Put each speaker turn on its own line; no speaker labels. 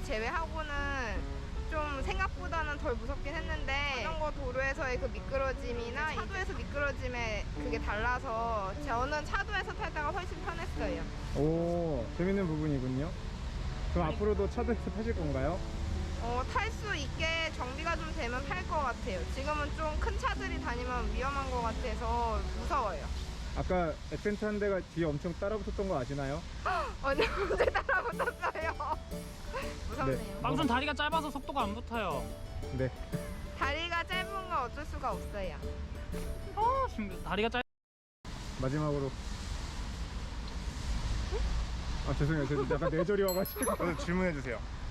제외하고는 좀 생각보다는 덜 무섭긴 했는데 자전거 도로에서의 그 미끄러짐이나 차도에서 미끄러짐에 그게 달라서 저는 차도에서 탈다가 훨씬 편했어요.
오, 재밌는 부분이군요. 그럼 앞으로도 차도에서 타실 건가요?
탈 수 있게 정비가 좀 되면 탈 것 같아요. 지금은 좀 큰 차들이 다니면 위험한 것 같아서 무서워요.
아까 에펜트 한 대가 뒤에 엄청 따라붙었던 거 아시나요?
언제 따라붙었어요? 무섭네요.
방금 다리가 짧아서 속도가 안 붙어요.
네.
다리가 짧은 건 어쩔 수가 없어요.
다리가 짧.
마지막으로. 아, 죄송해요. 저 약간 뇌절이 와가지고.
질문해 주세요.